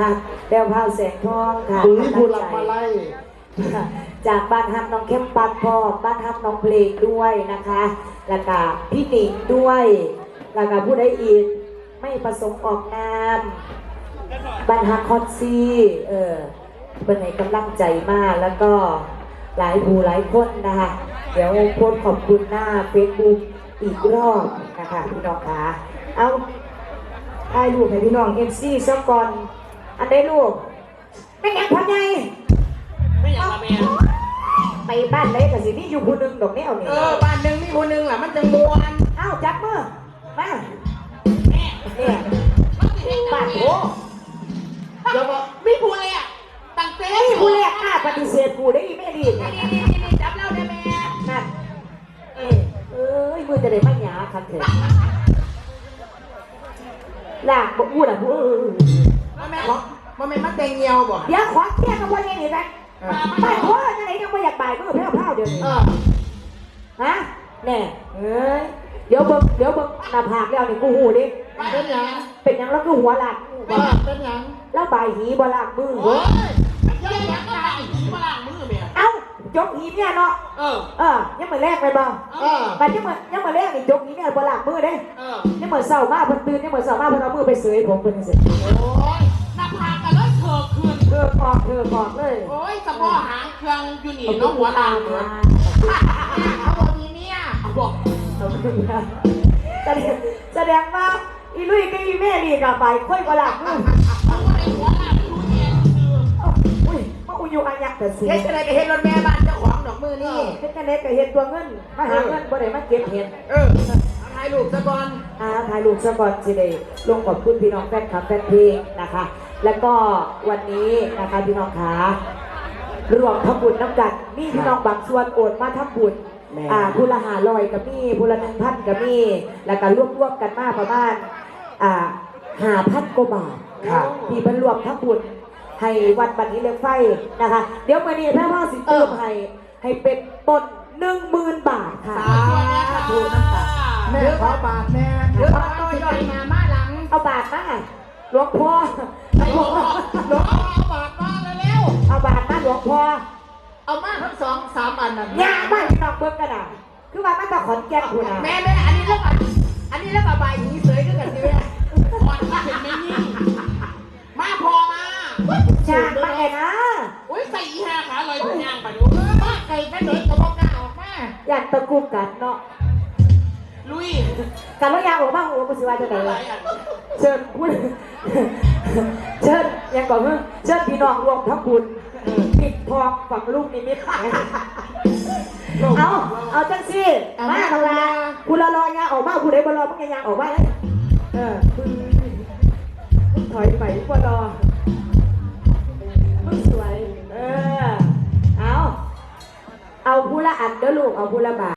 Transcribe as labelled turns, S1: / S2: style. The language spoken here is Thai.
S1: นะคะแววพาวแสงทองค่ะ
S2: ปุ๋ยผู้หลักมาไล่
S1: จากบ้านฮักน้องเข้มปัดพ่อบ้านฮักน้องเพลงด้วยนะคะแล้วก็พี่หนิงด้วยแล้วก็ผู้ใดอีกไม่ประสงค์ออกนามบ้านฮักคอนซี่เป็นไงกำลังใจมากแล้วก็หลายผู้หลายคนนะคะเดี๋ยวโพสต์ขอบคุณหน้าเฟซบุ๊กอีกรอบนะคะพี่น้องคะเอาถ่ายรูปให้พี่น้องMCสักก่อนอันได้ลูกไม่งั้นทำไง
S3: ไม่อยากมาแม่
S1: ไปบ้านไหนกับสินี่อยู่คนหนึ่งดอกแนวนี่
S3: บ้านหนึ่งมีคนหนึ่งแหละมันจะมวน
S1: เอ้าจับมือมา
S3: แม่
S1: เนี่ยบ้านโอ้
S3: เดี๋ยวบอกไม่พูดเลยอ่ะตั้งเต้
S1: ไอ้ผู้แรกกล้าปฏิเสธผู้ได้ไม่ดี
S3: นี่จับเล่าได้แม่
S1: นั่นมือจะได้ไม่หยาคันเถอะหลากบอกพูดอ่ะพูด
S3: แม่มันเตงเงียวบ่
S1: เดี๋ยวขอเที่ยงกับวันนี้หน่อยนะบ้านพ่อจะไหนยังไม่อยากบ่ายมือเพ้าเดี๋ยวนี้ฮะแน่เดี๋ยวเบิ่งหน้าผากแล้วนี่กูหูดิเป็นยังแล้วก็หัวหลัก
S3: เป็นยัง
S1: แล้วบ่ายหีบ่หลักมือ
S3: ยังก็ได้หีบ่หลักมือแม่
S1: เอ้ายกหีเนี่ยเนาะยังมาแรกไปบ่ไปยังมาแรกนี่ยกหีเนี่ยบ่หลักมือเด้ยังมาเศร้ามากเพิ่นตื่นยังมาเศร้ามากเพิ่นเอามือไปเสยผมเพิ่นเสร็จ
S3: โอ้ยหน้าผากกันแล้วเธอ
S1: ออกเลย
S3: โอ้ยสะโพกหางเครื่องอยู่นี่น้องหัวลางเหมือนเขาบอกนี้เนี่ยบอก
S1: แสดงว่าอีลุยกับอีแม่นี่กับไปค่อยบ่หลักมือมาอุอยู่อันยักษ์แต่สิ
S3: เฮ็ดอะไรก็เฮ็ดรถแม่บ้านเจ้าของดอกมือนี่
S1: เฮ็ดอะไรก็เฮ็ดตัวเงินมาหาเงินบ่ได้มาเก็บเห็ด
S3: ถ่ายรูปซะก่อน
S1: ถ่ายรูปซะก่อนสิได้ลงขอบคุณพี่น้องแฟนคลับแฟนเพลงนะคะแล้วก็วันนี้นะคะพี่น้องขารวมทำบุญน้ำกันมีพี่น้องบางส่วนโอนมาทำบุญผู้ละ500กับมีผู้ละ1,000กับมีแล้วก็รวบกันมาประมาณ5,000 กว่าบาทที่เพิ่นรวมทำบุญให้วัดบัดนี้เลือกไฟนะคะเดี๋ยววันนี้ถ้าพ่อสิเติมให้เป็นต้น 10,000 บาทค่ะ
S2: ดูน้ำตาแม่ขอบาทแม่
S3: เดี๋ยวต่อยอยมาหลัง
S1: เอาบาทมาหลวงพ่อ
S3: เอาบาทมาแล้ว
S1: เอาบาทมาหลวงพ่อ
S3: เอามาทั้ง2-3อันน่ะ
S1: ย่าบ้านนอกเบิ่งกันน่ะคือว่ามันต้องขอนแก่นคุณน่ะ
S3: แม่อันนี้แล้วใบหีเสยด้วยกันสิแม่พอมาเห็นแม่ยิ่งมาพอมา
S1: ชาไปนะ
S3: อุ้ยใส่อีห่าขาลอยทุกอย่างไปดูมาไก่แม่เด็กกระบอกกาออกมา
S1: อยากตะกุกกัดเนาะ
S3: ลุย
S1: กันแล้วยางออกบ้างโอ้กุศิวาจะไหนเชิญพูดเชิญยังก่อนเพิ่งเชิญพี่น้องรวมทั้งบุญปิดทองฝังลูกนิมิตเอาจังสิมาทำงานคุณรอยางออกมาคุณได้บอลมึงยางออกมาเลยถอยไปบอลมึงสวยเอาผู้ละอันเด้อลูกเอาผู้ละบาท